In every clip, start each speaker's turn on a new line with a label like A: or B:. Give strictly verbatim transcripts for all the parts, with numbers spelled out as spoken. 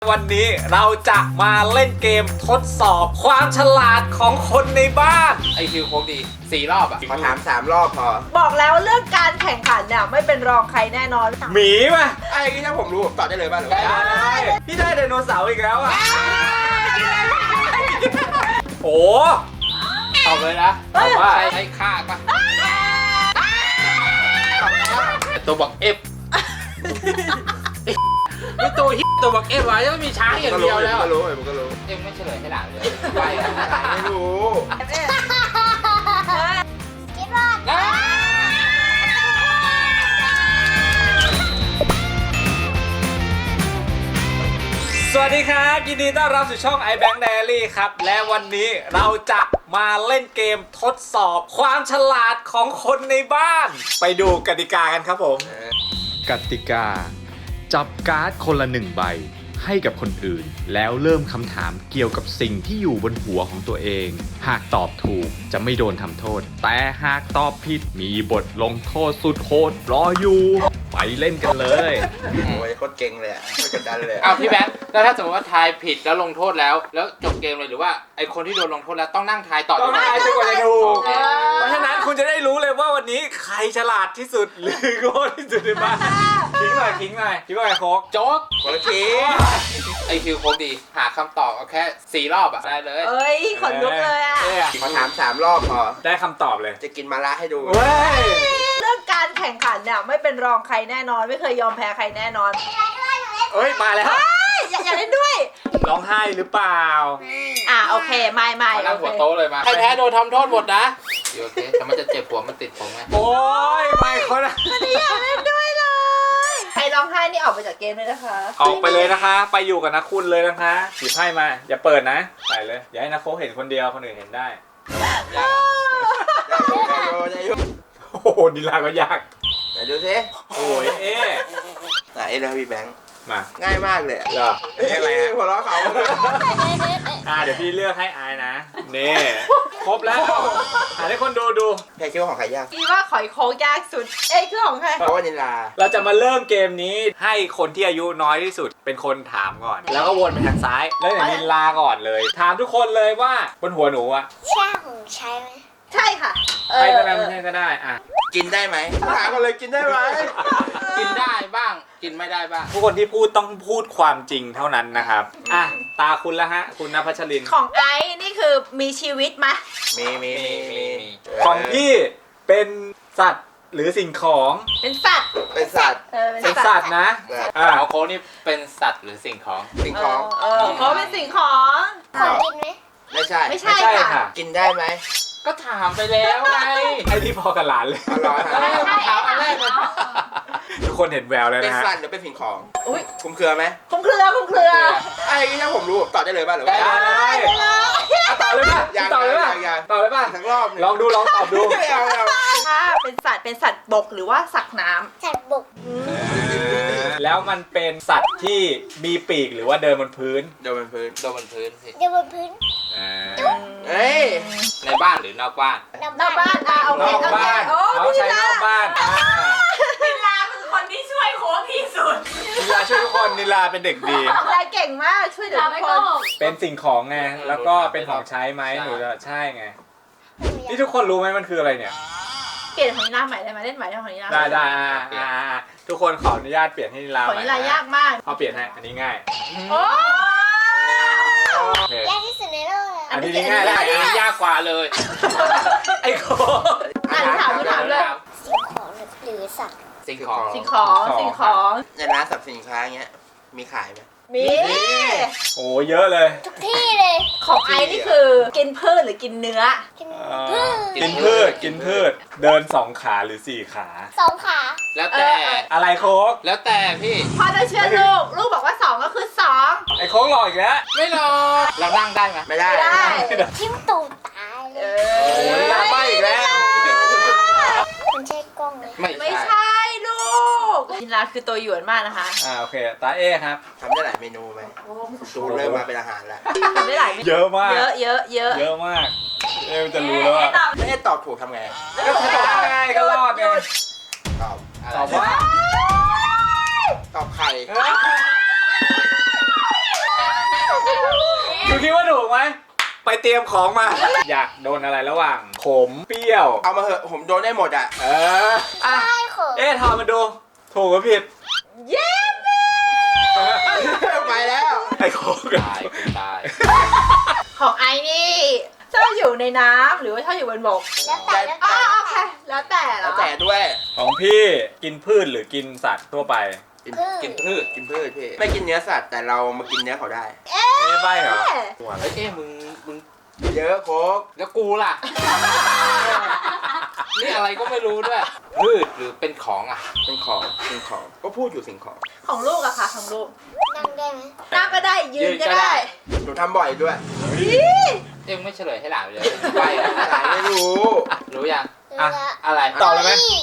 A: วันนี้เราจะมาเล่นเกมทดสอบความฉลาดของคนในบ้านไอคิวโคกดีสี่รอบอ่ะ
B: ขอถามสามรอบพอ
C: บอกแล้วเรื่องการแข่งขันเนี่ยไม่เป็นรองใครแน่นอน
A: หมีป่ะ
B: ไอ้ที่ถ้าผมรู้ผมตอบได้เลยป่ะหรือว่า
A: ได้พี่ได้ไดโนเสาร์อีกแล้วอ่ะโอ้ตอบเลยนะตอบว่า
D: ใช่ใช่ฆ่าปะตัวบอกเอฟไม่ตัวฮิตัวบอกเอฟไว้ยังไม่มีช้างอย่างเดียวแล้ว
B: ก็รู้ผมก็รู้
D: เอ็มไม่เฉลยให้หลานเลยไป
B: ไม่รู้
A: สวัสดีครับยินดีต้อนรับสู่ช่อง iBank Diary ครับและวันนี้เราจะมาเล่นเกมทดสอบความฉลาดของคนในบ้าน ไปดูกติกากันครับผม
E: กติกา จับการ์ดคนละหนึ่งใบให้กับคนอื่น แล้วเริ่มคำถามเกี่ยวกับสิ่งที่อยู่บนหัวของตัวเอง หากตอบถูกจะไม่โดนทำโทษ แต่หากตอบผิดมีบทลงโทษสุดโหดรออยู่ ไปเล่นกันเลย
B: โอ้ยโคตรเก่งเลยอ่ะโคตรกดดันเลย
D: อ้าวพี่แบงค์แล้วถ้าสมมติว่าทายผิดแล้วลงโทษแล้วแล้วจบเกมเลยหรือว่าไอคนที่โดนลงโทษแล้วต้องนั่งทายต่อ
A: ต้องทายจนกว่าจะถูก
D: โอเค
A: เพราะฉะนั้นคุณจะได้รู้เลยว่าวันนี้ใครฉลาดที่สุดหรือโง่ที่สุดในบ้านคิงหน่อยคิงหน่อยคิดว่าไงโค้ก
D: โจ๊ก
B: คนละที
D: ไอคิวโคกดีหาคำตอบเอาแค่สี่รอบอะได้เลย
C: เอ้ยขนลุกเลยอ่ะ
A: อ๊
B: ขอถามสามรอบพอ
A: ได้คำตอบเลย
B: จะกินมาละให้ดู
A: เว้ย
C: เรื่องการแข่งขันเนี่ยไม่เป็นรองใครแน่นอน ไม่เคยยอมแพ้ใครแน่นอน
A: เอ้ยมาแล้ว
C: เฮ้ยอย่าอย่าเล่นด้วย
A: ร้องไห้หรือเปล่า
C: อ่ะโอเคไม่ไม่
D: มานั่ง
C: โอ
D: หัว
C: เค
D: โต๊ะเลยมาใครแพ้โดนทำโทษหมดนะโอเคแต่มันจะเจ็บหัวมันติดผมไง
A: โอ้ยไม่เขานะ
C: ไม่อยากเล่นด้วยเลยใครร้องไห้นี่ออกไปจากเกมเลยนะคะ
A: ออกไปเลยนะคะ ไปอยู่กับนักคุณเลยนะคะหยิบไพ่มาอย่าเปิดนะใส่เลยอย่าให้นักโค้ชเห็นคนเดียวคนอื่นเห็นได้
D: ยากอะ
B: ได้ดูได้ดู
A: โอ้โหนิลาก็ยาก
B: ไหนดูสิ
A: โอ้ยเอ๊ะ
B: ไหนเลยพี่แบงค์
A: มา
B: ง่ายมากเลย
A: เหรอเอ๊ะอะไรฮะ
B: หัวเราะเขา
A: อ่าเดี๋ยวพี่เลือกให้อายนะนี่ครบแล้วหาให้คนดูดู
B: แค่คิดว่าของใครยาก
C: พี่ว่าขอยโค้งยากสุด เอ้ยคือของใคร
B: เพราะว่านิลา
A: เราจะมาเริ่มเกมนี้ให้คนที่อายุน้อยที่สุดเป็นคนถามก่อน แล้วก็วนไปทางซ้ายแล้วอย่างนิลาก่อนเลย ถามทุกคนเลยว่าบนหัวหนูอะ
F: ใช่ของใช้ไหม
C: ใช่ค่ะเอ
A: ใช่
C: อ
A: ก็ได้ไม่ใช่ก็ได้อ่ะ
B: กินได้ไหมถามกันเลยกินได้ไหม
D: กินได้บ้างกินไม่ได้บ้าง
A: ทุกคนที่พูดต้องพูดความจริงเท่านั้นนะครับอ่ะตาคุณละฮะคุณณพัชรินทร์
C: ของไอซ์นี่คือมีชีวิตไหม
B: มีมีมีมี
A: ของพี่เป็นสัตว์หรือสิ่งของ
C: เป็นสัตว์
B: เป็นสัตว์
C: เออเป็น
A: เป็น
C: สั
A: สั
C: ต
A: ต
C: ว์
A: ว์นะ
B: สัตว์
A: อ่ะ
D: เอาโค้กนี่เป็นสัตว์หรือสิ่งของ
B: สิ่งของ
C: เออเขาเป็นสิ่งของ
F: ของกินไหม
B: ไม่ใช่
C: ไม่
A: ไม่
C: ใช่
A: ใช่
C: ค่ะ
A: ค่ะ
B: กินได้ไหม
D: ก็ถามไปแล้วไง
A: ไอ้ที่พอกับหลานเลย
B: อร่อย
D: เออถามอันแรกเลย
A: ทุกคนเห็นแววแล้ว
B: เป็น
A: นะฮะ
B: สัตว์หรือเป็นสิ่งของ
C: อุ้ย
B: คุ้มเครือไหม
C: คุ้มเครือคุ้มเครือ
B: ไอ้ที่ถ้าผมรู้ผมตอบได้เลยป่ะหรือว่า
A: ได้อ่ะต่อเลยป่ะ
B: ยัง
A: ต่อเลยป่ะ
B: ยังยัง
A: ต่อเลยป่ะ
B: ทั้งรอบหนึ่ง
A: ลองดูลองตอบดู
B: ไม่เอาไม่เอา
C: ถ้าเป็นสัตว์เป็นสัตว์บกหรือว่าสัตว์น้
F: สัตว์บก
A: แล้วมันเป็นสัตว์ที่มีปีกหรือว่าเดินบนพื้น
B: เดี๋ยวมันพื้น
D: โดนบนพื้นสิ
F: เดี๋ยวบนพื้น
A: อ่า
C: ำ
B: เอ้ย
D: ในบ้านหรือนอกบ้าน
C: นอกบ้านอ่ะโอเคน
A: อก
C: โอเค
A: บ้าน
C: โอ้
A: เขา
C: พี่
A: ใช้น
C: ลา
A: อกบ้านอ่า
C: พี่ลาคือคนที่ช่วยโค้ชที่สุด
A: นิลาช่วยทุกคนนิลาเป็นเด็กดี
C: ลาเก่งมากช่วยเหลือทุกคน
A: เป็นสิ่งของไงแล้วก็เป็นของใช้ไหมหนูจะใช่ไงนี่ทุกคนรู้ไหมมันคืออะไรเนี่ย
C: เปลี่ยนของนิลาใหม่ได้ไหมเล่นใหม่ได้ของนิลา
A: ได้ได้อ่าอ่าอ่าทุกคนขออนุญาตเปลี่ยนให้นิลา
C: ของ
A: ใหม่
C: นิลายากมาก
A: พอเปลี่ยนให้อันนี้ง่าย
C: โอ้
A: โอเค
F: ยากที่สุดในโลกเลย
A: อันนี้ง่ายแล้ว
D: อันนี้ยากกว่าเลย
A: ไอ้โค
C: อ่านถามถามเลย
F: สิ่งของหรือสัตว์
D: สิ่งของ
C: สิ่งของสิ่งของ
B: ในร้านสรรพสินค้าเงี้ยมีขายไหม
C: มี
A: โอ้เยอะเลย
F: ทุกที่เลย
C: ของไอซ์นี่คือกินพืชหรือกินเนื้อ
F: กิน
A: เอ่อ
F: พืช
A: กินพืชกินพืชเดินสองขาหรือสี่ขา
F: สองขา
D: แล้วแต่
C: เออ
A: อะไรโค้ก
D: แล้วแต่พี่
C: พ่อจะเชื่อลูก ลูกบอกว่าสองก็คือสอง
A: ไอ้โค้กหลอกอีกแล้ว
D: ไม่หรอกเรานั่งได้ไหม
B: ไม่ได้
C: ไม่ได้
F: จิ้มตูดตายเล
C: เอย
A: โอ้ยลาไปอีกแล้ว
F: มันใช่กล้องไหม
D: ไม่
C: ไม่
D: ใช่
C: ใช่ลูกนิลาคือตัวหยวนมากนะคะ
A: อ่าโอเคตาเอครับ
B: ทำได้หลายเมนูไหมดูเริ่มมาเป็นอาหารแล้ว
C: ทำได้หลายเมนู
A: เยอะมาก
C: เยอะเยอะเยอะ
A: เยอะมากเอมจะรู้แล้วว่า
B: ไม่ได้ตอบถูกทำไง
A: ก็ถ้าตอบง่ายก็รอดไง
B: ตอบ
A: ตอบว่า
B: ตอบไข่
A: เฮ้ยคุณคิดว่าถูกไหมไปเตรียมของมา อยากโดนอะไรระหว่างขมเปรี้ยว
B: เอามาเหอะผมโดนได้หมดอ่ะ
A: เอออ่ะ
F: ใช่ค่ะ
A: เอ๊ะทอมมาดู ถูกหรือผิด
C: เย้
B: ไปแล้ว
A: ไอ้โคก
D: ตายกูตาย
C: ของไอ้นี่ชอบอยู่ในน้ำหรือว่าชอบอยู่บนบก
F: แล้วแต่แล้ว
C: อ๋อ
F: แต่
C: โอเคแล้วแต่เหร
B: แล้
C: อ
B: วแต่ด้วย
A: ของพี่กินพืชหรือกินสัตว์ทั่วไป
B: กินกินพืชกินพืชพี่ไม่กินเนื้อสัตว์แต่เรามากินเนื้อเขาได้
A: ไม่ใบเหรอ
C: เอ๊ะ
A: หัว
D: เฮ้ยเอ๊ะมึงมึง
B: เยอะโค้ก
D: แล้วกูล่ะ นี่อะไรก็ไม่รู้ด้วยพืชหรือเป็นของอ่ะ
B: เป็นของเป็นของก็พูดอยู่สิ่งของ
C: ของลูกอะค่ะของลูก
F: นั่งได้ไหม
C: นั่งก็ได้ยื
D: ยื
C: น
D: นก็
C: ก็
D: ได้
C: ได้
B: หนูทำบ่อยด้วย
C: อี
D: เอ็งไม่เฉลยให้หลานเลยไปอะ
B: หลานไม่รู้
D: รู้ยัง
F: รู้
A: อ่ะ
F: ละ
D: อะไร
A: ตอบเลยไหม
F: นี่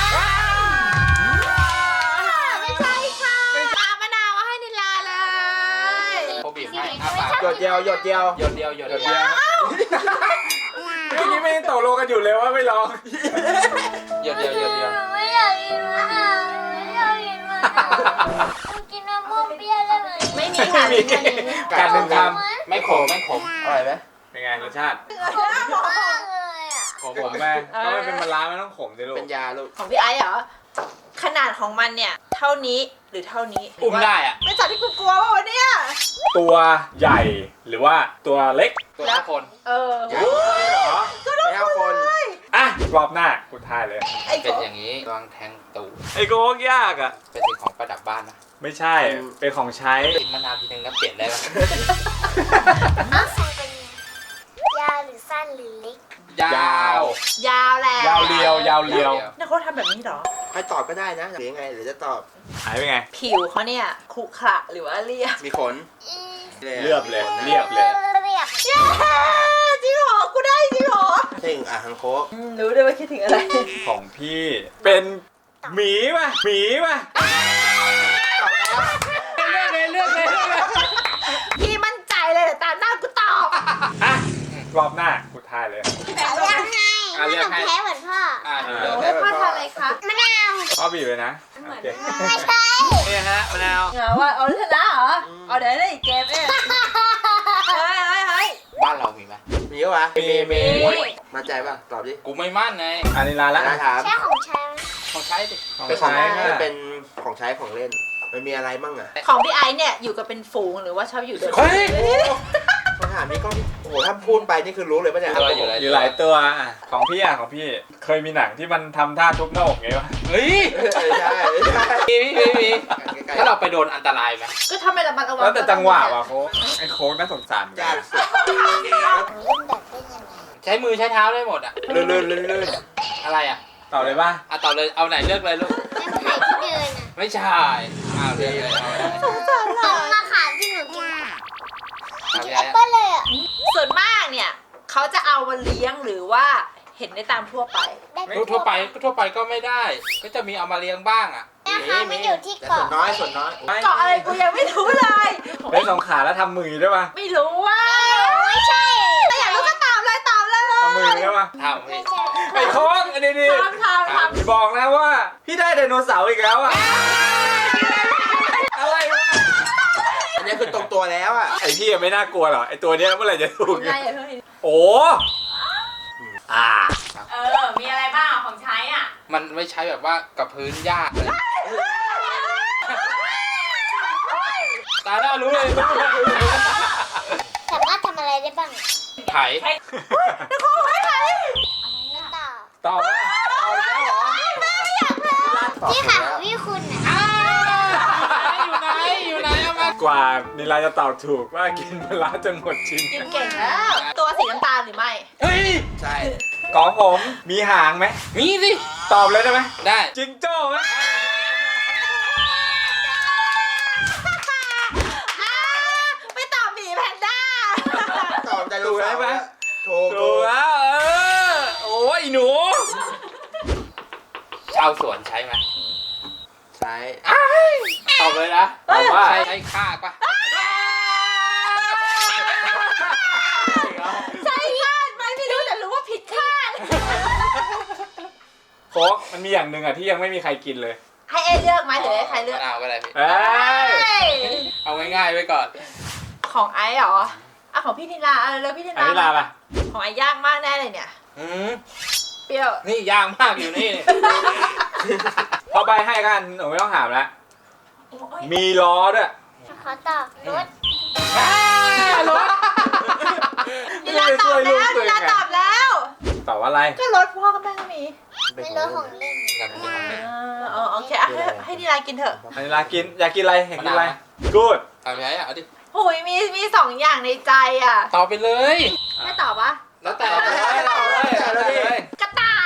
C: ไม่ใช่ค่ะมามะนาวมาให้นิลาเลย
D: เขาบีบให้อ้าปาก
B: หยดเดียวหยดเดียว
D: หยดเดียวหยด
A: เดี๋ยว
D: เดียว
A: เมื่อกี้ไม่ได้ตกลงกันอยู่เลยว่าไม่ลอง
D: หยดเดียวหยดเดียว
F: หนูไม่อยากกินมะนาวหนูไม่อยากกินมะนาวหนูกินมะม่วงเปรี้ยวได้ไหม
C: ไม่มีค่ะ
A: ไม่มี
C: ไม่มี
A: การหนึ่งค
D: ไม่ขมไม่ขม
B: อร่อยไหม
A: ำเป็นไงรสชาติ
F: มากเลยอ่ะ
D: ขม
A: ขมแม่ก็ไม่เป็นมะระไม่ต้องขมสิลูก
B: เป็นยาลูก
C: ของพี่ไอซ์เหรอ ขนาดของมันเนี่ย เท่านี้หรือเท่านี้
D: อุ้มได้อ่ะ
C: เป็นสัตว์ที่กูกลัวว่าวะเนี่ย
A: ตัวใหญ่หรือว่าตัวเล็ก
D: ตัวทุกคน
C: เออ
B: ใหญ่เหรอไม่เอาคน
A: อ่ะรอบหน้ากูทายเลย
C: ไอ้
D: เป็น
C: โก
D: อย่างนี้วางแทงตูด
A: ไอ้โกกยากอ่ะ
D: เป็นสิ่งของประดับบ้านนะ
A: ไม่ใช่ เป็นของใช้
D: กินมะนาวทีนึงแล้วเปลี่ยนได้ไหม
F: อ้าวทรงเป็นไงยาวหรือสั้นหรือเล็ก
D: ยาว
C: ยาวแหละ
A: ยาวเรียวยาวเรียว
C: นี่เขาทำแบบนี้เหรอ
B: ใครตอบก็ได้นะหรือยังไงหรือจะตอบ
A: หายไปไง
C: ผิวเขาเนี่ยขรุขระหรือว่าเรียบ
B: มีขน
F: อืม
A: เรียบเลยเรียบเลย
F: เรียบ
C: เย้จริงเหรอ กูได้จริงเหรอ
B: เท่งอ่ะฮังโค้ก
C: อืมรู้ด้วยว่าคิดถึงอะไร
A: ของพี่เป็นหมีป่ะหมีป่ะ
D: เลือกเลยเลือกเลยเลือกเลย
C: พี่มั่นใจเลยแต่ตามหน้ากูตอบ
A: อ่ะรอบหน้ากูทายเลย
F: เลือกให้
D: อ่ะเลื
F: ไม่
D: อก
F: ต้อง
D: ให้
F: แพ้เหมือนพ่อ
D: อ่า
A: อ่า
D: เลือก
C: โอ้
D: ให้
C: พ่อทำอะไรคะ
F: มะนาว
A: พ่อบีบเลยนะโอเค
F: ไม่ใช่
A: นี่ฮะมะนาว
C: เหงาว่าเอาชนะเหรอ เอาเดี๋ยวได้อีกเกมเองเฮ้ยเฮ้ยเฮ้ย
D: บ้านเรามีไหม
B: มีปะวะ
A: มีมี
C: มี
B: มาใจป่ะตอบดิ
D: กูไม่มั่นไง
A: อันนี้ลาละ
B: ได้ถาม
F: ใช่ของฉัน
D: ของใช้ดิ
A: ของ
B: เป็นของ
A: ใช้
B: มั
A: ค่ะ
B: นเป็นของใช้ของเล่น มันมีอะไรบ้างอ่ะ
C: ของพี่ไอซ์เนี่ยอยู่กับเป็นฝูงหรือว่าชอบอยู่โดด
A: เฮ้ย
B: คำถามนี้ก็โอ้โหถ้าพูดไปนี่คือรู้เลยป่ะเนี่ย
D: ตัวอยู่เลย
A: อยู่หลายตัวอ่ะของพี่อ่ะของพี่เคยมีหนังที่มันทำท่าทุบหน้าอกไงวะ
D: เฮ้ย
B: เออใช่ใช่
D: มีมีมีมี
B: ใกล้
D: ถ้าเราไปโดนอันตรายไหม
C: ก็ถ้าไม่ระมัดระวัง
A: แล้วแต่จังหวะว่ะโค้กไอ้โค้กน่าสงสารเหมือน
B: ๆ
A: กั
B: ยาก
A: น
B: สุด
F: เล่นแบบได้ยังไง
D: ใช้มือใช้เท้าได้หมดอ่ะ
B: ลื่นลื่นลื่นลื่น
D: อะไรอ่ะ
A: ตอบเลยป่ะ
D: อ่ะต่อเลยเอาไหนเลือกเลยลูก
F: แล้วไข่ที่เดินอ่ะ
D: ไม่ใช่อ้าวเลือกเลยเอาเลย
F: ต้นมะขามที่หนูกิน
D: เอา
F: กิน
D: พี่
F: แอ
D: ไอ้
F: ปเปิ้ลเลยอ่ะ
C: ส่วนมากเนี่ยเขาจะเอามาเลี้ยงหรือว่าเห็นได้ตามทั่วไป
F: ได้
D: ทั่วไปทั่วไปก็ไม่ได้ ก็จะมีเอามาเลี้ยงบ้างอ่ะ
F: นะคะมันอยู่ที่
B: แต่ส่ว
F: เกาะ
B: นน้อยส่วนน้อย
C: เกาะอะไรกูยังไม่รู้เลย
A: เล่นสองขาแล้วทำมือด้วยป่ะ
C: ไม่รู้ว่า
F: ไม่ใช่
C: ถ้าอยากรู้ก็ตอบเลยตอบเลยเลย
A: ทำมือด้วยป่ะ
D: ทำ
F: ไม่
D: พี่
F: ใช่
A: ไอ้โค้กอันนี้ดิ
C: ทำทำทำ
A: บอกนะว่าพี่ได้ไดโนเสาร์อีกแล้วอ่ะอะไรวะ
B: อันนี้คือตรงตัวแล้วอ่ะ
A: ไอพี่ยังไม่น่ากลัวหรอไอตัวเนี้ยเมื่อไหร่จะถูก
C: ยังไง
A: เนี่ย
C: อ่ะเฮ้ย
A: โอ้อ่า
C: เออ มีอะไรบ้างของใช้อ่ะ
D: มันไม่ใช้แบบว่ากับพื้นยากเลยตาหน้ารู้เลยรู้เลย
F: สามารถทำอะไรได้บ้าง
D: ไถ
F: ไม่ตอบ
A: ตอบว่าตอบแล้วเหรอ
B: ตอบ
F: พี่
B: ถู
F: ค่ะ
B: กแล้ว
F: พี่คุณอ่ะ
D: อยู่ไหนอยู่ไหนเอามาก
A: ว่านิลาจะตอบถูกว่ากินปลาร้าจนหมดชิ้น
C: กินเก่งแล้ว ตัวสีน้ำตาลหรือไม่
D: เฮ้ย
B: ใช่
A: ของผมมีหางไหม
D: มีสิ
A: ตอบเลยได้ไหม
D: ได้
A: จิงโจ้ไหม
C: อ่าไม่ตอบหมีแพนด้า
B: ตอบไดโนเสาร์อะถูก
A: ถู
B: ถู
A: ก
B: ก
A: แล้วเออโอ้ยหนู
D: ชาวสวนใช้ไหม
B: ใช่
D: ตอบเลยนะ
A: ตอบว่า
D: ใช้ใช้คากปะ
C: ใช่คาดไหมไม่รู้แต่รู้ว่าผิดคาด
A: โค้กมันมีอย่างหนึ่งอ่ะที่ยังไม่มีใครกินเลย
C: ให้เอเลือกไหมหรือให้ใครเลือก
D: มะนาวก็ได้พี่
A: เอ้ย
C: เฮ้ย
D: เอาง่ายๆไว้ก่อน
C: ของไอซ์เหรออ่ะของพี่นิลาเอาแล้วพี่นิ
A: อัน
C: ลา
A: นี้ลาปะ
C: ของไอ้ยากมากแน่เลยเนี่ย
D: อืม
C: เปรี้ยว
D: นี่ยากมากอยู่นี่
A: พอใบให้กันหนูไม่ต้องถามแล้ว
C: โอ้ย
A: มีล้อด้วย
F: ขอตอบรถ
A: รถ
C: นิลาตอบแล้วนิลาตอบแล้ว
A: ตอบว่าอะไร
C: ก็รถพ่อกับแม่ก็มี
F: เป็นรถของเล่น
C: อ่าอ๋อโอเคอ่ะให้ให้นิลากินเถอะ
A: อันนี้ลากินอยากกินอะไรเห็นกินอะไรกูด
D: เอาไปอ่ะเอาดิ
C: โอ้ยมีมีสองอย่างในใจอ่ะ
D: ตอบไปเลย
C: ไม่ตอบวะ
D: แล้วแต่
A: เอาเลยเอาเลยเอาเลย
C: กระต่าย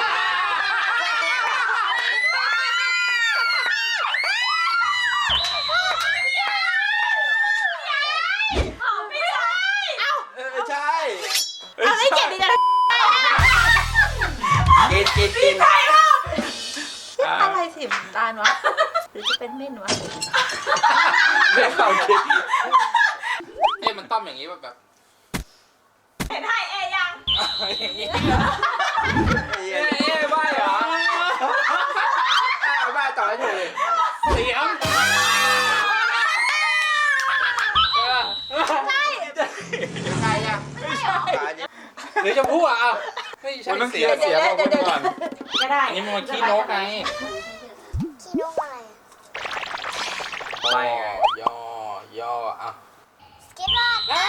B: เออใช่
C: อะไรเก่งดีนะ
B: กินกินกิน
C: อะไรสีน้ำตาลวะหรือจะเป็นเม่นวะ
A: เรื่องความคิด
D: เอ๊ะมันต้อมอย่างนี้แบบแบบ
C: เห็นให้เอยัง
D: อย่างนี้
A: เอ๊ะเอ๊ะใบเหรอ
B: เอาบ้าต่อให้ถูกเลย
D: เสียงเออ
C: ใช่
B: ใครอ่ะ
C: ไม่ใช่
B: ตาเนี่ย
D: หรือจะพูดอ่ะเอาไม่ใช่
A: มันต้อง
D: เสี
A: เสี
D: ย
A: ย
D: ง
A: เสียบอกคุณก่อน
C: ก็ได้
D: อันนี้มันขี้นกไง
F: ขี้นกอะไร
A: ใบไง
D: ย่อย่ออ่ะ
F: สเก็ตบอร์ด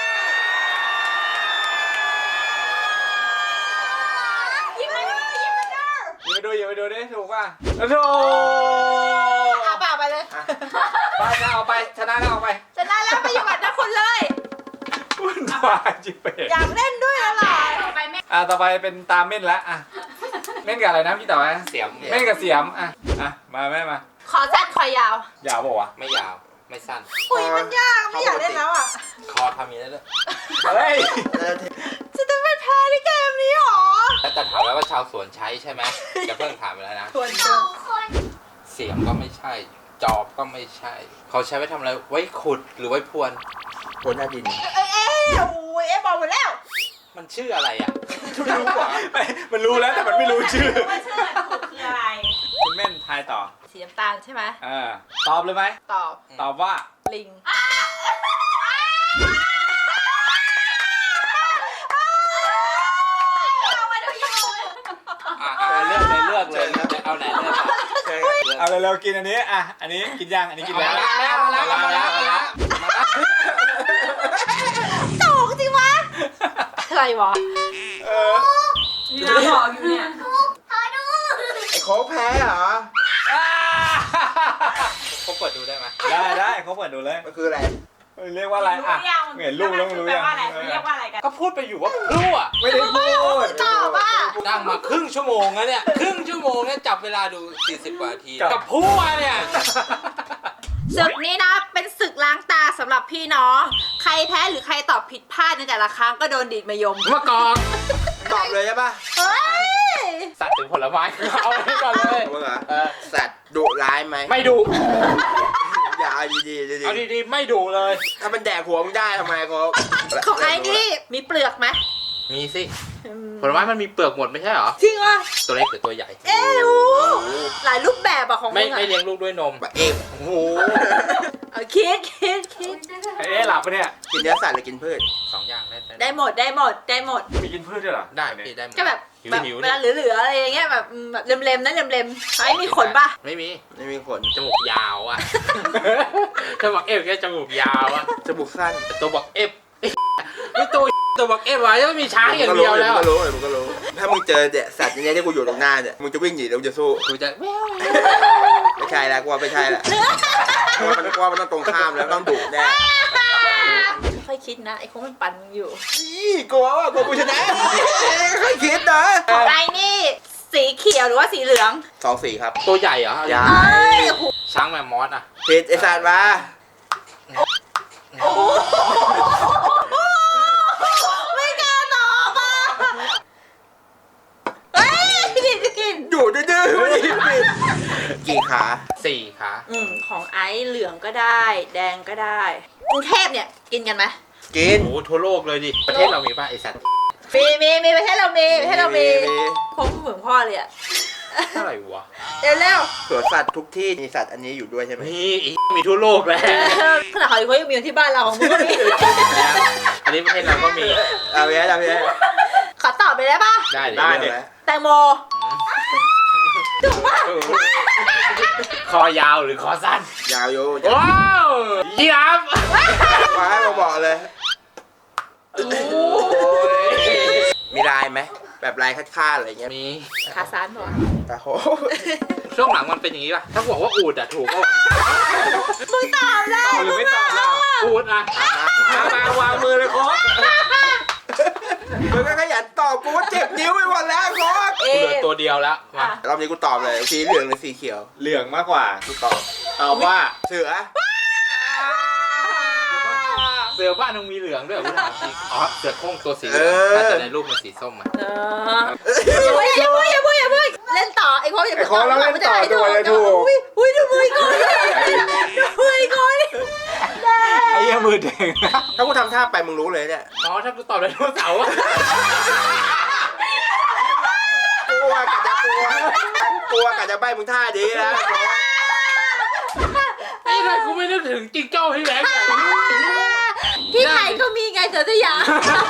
C: ยิ้มมาดูยิ้มมาดู
A: ยิงไปดูยิงไปดูดิถูกป่ะโอ้โห
C: เอาเปล่าไปเลย
A: ไปนะเอาไปชนะแล้วเอาไป
C: ชนะแล้วไปอยู่กับนักคุณเลย
A: วุ่นวายจิเป็ด
C: อยากเล่นด้วยแล้วเหรอไปแม่
A: อ่ะต่อไปเป็นตามเม่นแล้วอ่ะเม่นกับอะไรนะพี่ต่อไป
D: เสียม
A: เม่นกับเสียมอ่ะอ่ะมาแม่มา
C: ขอสั้นคอยาว
A: ยาวบอกว่าว
D: ไม่ยาวไม่สั้น
C: อุ้ยมันยากไม่อยากเล่นแล้วอ่ะ
D: คอทำอย่างนี้ได้ด้วย
A: ะเฮ้ย
C: จะต้องเป็นแพ้ในเกมนี้หรอ
D: แล้วแต่ถามแล้วว่าชาวสวนใช้ใช่ไหมจะเพิ่งถามไปแล้วนะ
C: ส่วน
F: สองคน
D: เสียมก็ไม่ใช่ จอบก็ไม่ใช่ เขาใช้ไว้ทำอะไร ไว้ขุดหรือไว้พรวน
B: โคหน้าดิน
C: เอ้ยเอ้ยโอ้ยเอ๊ะบอกหมดแล้ว
D: มันชื่ออะไรอ่ะ
A: รู้กว่าไม่มันรู้แล้วแต่มันไม่รู้ชื่อ
C: ว่าชื่อถูกคืออะไร
A: คุณเม่นทายต่อ
C: สีน้ำตาลใช่ไหม
A: อ่าตอบเลยไหม
C: ตอบ
A: ตอบว่า
C: ลิง
D: อ่ะเอาเลือกเลยเลือกเลยเอาไหนเลือกอ่ะ
B: เคย
A: เอาเร็วๆกินอันนี้อ่ะอันนี้กินยังอันนี้กินแล้ว
D: เอาแล้วเอาแล้วเอาแล้ว
C: ถูกจริงวะอะไรวะ
A: เออ
C: น้าบอกอยู่เนี่ย
F: ขอดู
B: ไอ้โค้กแพ้เหรอ
D: เขาเปิดดูได้ไหม
A: ได้ได้เขาเปิดดูเลย
B: มันคืออะไร
A: เรียกว่าอะไรอ่ะเห็นลูกแล้วรู้ยัง
C: เรียกว่าอะไรกัน
D: ก็พูดไปอยู่ว่าพลั่ว
A: ไม่ได้พูด
C: ตอบว่า
D: นั่งมาครึ่งชั่วโมงแล้วเนี่ย ครึ่งชั่วโมงเนี่ยจับเวลาดู สี่สิบ กว่านาที กับพลั่วเนี่ย
C: ศึกนี้นะเป็นศึกล้างตาสำหรับพี่น้อง ใครแพ้หรือใครตอบผิดพลาดในแต่ละครั้งก็โดนดีดมายม
D: มากอง
B: ตอบเลยใช่ปะ
C: เฮ้ย
D: สัตว์ถึงผลไม้ เอาไปก่อนเลย
B: มึงเหรอ
D: เออ
B: สัตว์ดุร้ายไหม
D: ไม่ดู
B: อย่าเอาดีๆดี
D: เอาดีๆ ไม่ดูเลย
B: ๆถ้ามันแดกหัวมึงได้ทำไมโค้ก
C: ของไอ้นี่มีเปลือกไหม
D: มีสิ ผลไม้มันมีเปลือกหมดไม่ใช่เหรอ
C: จริงวะ
D: ตัวเล็กหรือตัวใหญ่
C: เอ้ยโอ้หลายรูปแบบอะของ
D: ไม่
C: มึงอะ
D: ไม่เลี้ยงลูกด้วยนม
B: ปะเอฟ
D: โอ้โห
C: เอาคิดคิดคิด
A: เอ๊ะหลับปะเนี่ย
B: กินเนื้อสัตว์หรือกินพืช
D: สองอย่างได้
C: ได้หมดได้หมดได้หมด
A: มีกินพืชด้วยเหรอ
D: ได้พี่ได้หมด
C: ก็แบบ
D: หิว
C: แบบ
D: หิว
C: เว
D: นี่
C: ลาเหลือๆอะไรอย่างเงี้ยแบบอืมแบบเล็มๆนะเล็มๆไอ้มีขนปะ
D: ไม่มี
B: ไม่มีขน
D: จมูกยาวอ่ะ ตัวบอกเอฟแค่จมูกยาวอ่ะ
B: จมูกสั้น
D: แต่ตัวบอกเอฟไม่ตัวตัวบอกเอฟวะยังไม่มีช้างอย่างเดียวแล้ว
B: มึงก็รู้มึงก็รู้ ถ้ามึงเจอเนี่ยสัตว์อย่างเงี้ยที่กูอยู่ตรงหน้าเนี่ย มึงจะวิ่งหนีหรือมึงจะสู้
D: กูจะแวว
B: ไม่ใช่แล้วกูว่าไม่ใช่แล้วกูว่ามันกูว่ามันต้องตรงข้ามแล้วต้องดุแน่
C: ค่อยคิดนะไอ้คงมันปั่นมึงอยู่
B: อี้กลัวว่ากลัวกูชนะค่อยคิดนะ
C: ของไอ้นี่สีเขียวหรือว่าสีเหลือง
B: สองสีครับ
D: ตัวใหญ่เหรอ
B: ใหญ่
C: เอ้ยโอ้โห
D: ช้างแมมมอสอ่ะ
B: ผิดไอ้สัตว์มา
C: ไม่กล้าตอบอ่ะเฮ้ยกินกิน
B: อยู่ดื้อๆไม่ได้ผิดกี่ขา
D: สี่ขา
C: อืมของไอ้เหลืองก็ได้ แดงก็ได้กรุงเทพเนี่ยกินกันไหม
B: กิน
D: โอ้โหทั่วโลกเลยดิ ประเทศเรามีป่ะไอสัตว์
C: มีมีมีประเทศเรามีประเทศเรามี
B: มี
C: พงเหมือนพ่อเลยอ่ะ
D: เท่าไหร่วะ
C: เร็วเร็ว
B: สวนสัตว์ทุกที่มีสัตว์อันนี้อยู่ด้วยใช่ไหม
D: มีอีกมีทั่วโลกแล้ว
C: ขนาดเขาเขายังมีอยู่ที่บ้านเราของมึงก็มี
D: แล้วอันนี้ประเทศเราก็มี
B: เอาไปเอาไป
C: ขอตอบไปได้ปะ
D: ได้ดิ
A: ได้ดิ
C: แตงโมถูกปะ
D: คอยาวหรือคอสั้น
B: ยาวโย
D: ว้าวยีราฟ
B: มาให้มาบอกเลย มีลายไหมแบบลายคาดๆอะไรเงี้ย
D: มี
C: ขาซานบอก
B: ตาโห
D: ช่วงหลังมันเป็นอย่างนี้ป่ะ ถ้าบอกว่าอูดอะถูกก็
C: มึงตอบได้
A: ตอบหรือไม่ตอบล่ะ
D: อูดอะ
A: มามาวางมือเลยโค้ช
B: มึงก็ขยันตอบกูว่าเจ็บนิ้วไปหมดแล้วโค้ช
C: เอ
D: กูเหลือตัวเดียวแล้วมาร
B: อบนี้กูตอบเลยสีเหลืองหรือสีเขียว
A: เหลืองมากกว่า
B: กูตอบ
A: ตอบว่า
B: เสือ
D: เสือบ้านมึงมีเหลืองด้วยเหรอกูถามจริงอ๋อ เสือโคร่งตัวสีเหลืองน่าจะในรูปมันสีส้มอะ
C: เอออย่าพูดอย่าพูดอย่าพูดอย่าพูดเล่นต่อไอ้โค้ชอย่า
A: ไอ้โค้ชเราเล่นต่อตัวเลยถูก
C: อุ้ยอุ้ยดูมือก่อนดูมือก่อน
A: ไอ้เหี้ยมือแดง
B: ถ้ากูทำท่าไปมึงรู้เลยเนี่ย
D: อ๋อ ถ้ากูตอบไดโนเสาร์อะ
B: กลัวกะจะกลัวกลัวกะจะใบมึงท่าดีแล้ว
D: ไอ้ไรกูไม่นึกถึงจิงโจ้พี่แบงค์อะ
C: ที่ไทยก็มีไงเสือสยาม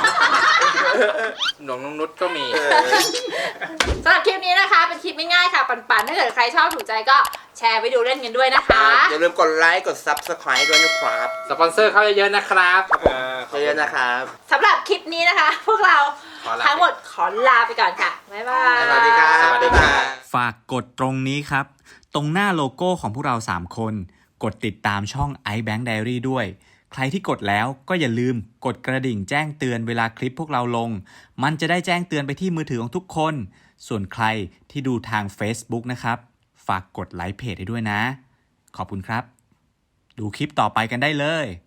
D: หนองนงนุชก็มี
C: สำหรับคลิปนี้นะคะเป็นคลิปง่ายๆค่ะปันๆถ้าเกิดใครชอบถูกใจก็แชร์ไปดูเล่นกันด้วยนะคะ
B: อย่าลืมกดไลค์กด ซับสไครบ์ ด้วยนะครับ
D: สปอนเซอร์เข้าเยอะๆนะครับ
A: เออ
B: เยอะๆนะครับ
C: สำหรับคลิปนี้นะคะ พวกเรา
D: ขอลา
C: ทั้งหมดขอลาไปก่อนค่ะ บ๊ายบาย
B: สวัสดีครับ
D: สวัสดีครับ
E: ฝากกดตรงนี้ครับ ตรงหน้าโลโก้ของพวกเราสามคน กดติดตามช่อง iBank Diary ด้วย ใครที่กดแล้วก็อย่าลืมกดกระดิ่งแจ้งเตือนเวลาคลิปพวกเราลง มันจะได้แจ้งเตือนไปที่มือถือของทุกคน ส่วนใครที่ดูทาง Facebook นะครับ ฝากกดไลค์เพจให้ด้วยนะ ขอบคุณครับ ดูคลิปต่อไปกันได้เลย